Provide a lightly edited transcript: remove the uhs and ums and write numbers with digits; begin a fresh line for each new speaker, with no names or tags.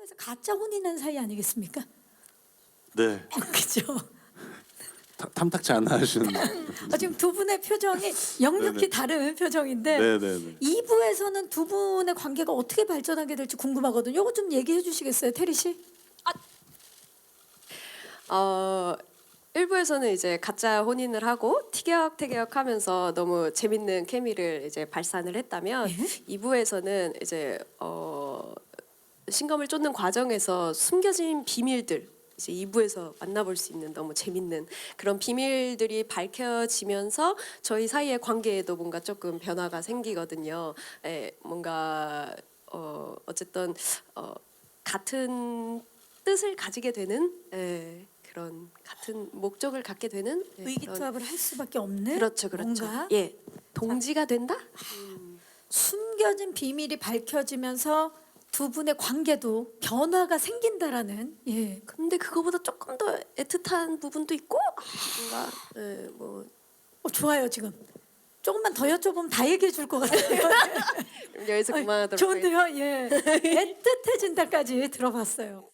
말해서 가짜 혼인한 사이 아니겠습니까?
네.
그죠?
탐탁치 않아 하시는.
지금 두 분의 표정이 역력히
네네.
다른 표정인데
네네네.
2부에서는 두 분의 관계가 어떻게 발전하게 될지 궁금하거든요. 이거 좀 얘기해 주시겠어요, 테리 씨?
일부에서는 이제 가짜 혼인을 하고 티격태격하면서 너무 재밌는 케미를 이제 발산을 했다면
예?
2부에서는 이제 신검을 쫓는 과정에서 숨겨진 비밀들 이제 2부에서 만나볼 수 있는 너무 재밌는 그런 비밀들이 밝혀지면서 저희 사이의 관계에도 뭔가 조금 변화가 생기거든요. 뭔가 어쨌든 같은 뜻을 가지게 되는 그런 같은 목적을 갖게 되는 그런
의기투합을 할 수밖에 없는
그렇죠.
뭔가
예, 동지가 된다.
숨겨진 비밀이 밝혀지면서 두 분의 관계도 변화가 생긴다라는 예.
근데 그거보다 조금 더 애틋한 부분도 있고 뭔가 뭐
좋아요 지금 조금만 더 여쭤보면 다 얘기해 줄 것 같아요.
여기서 그만하도록 하겠습니다.
좋은데요, 예. 애틋해진다까지 들어봤어요.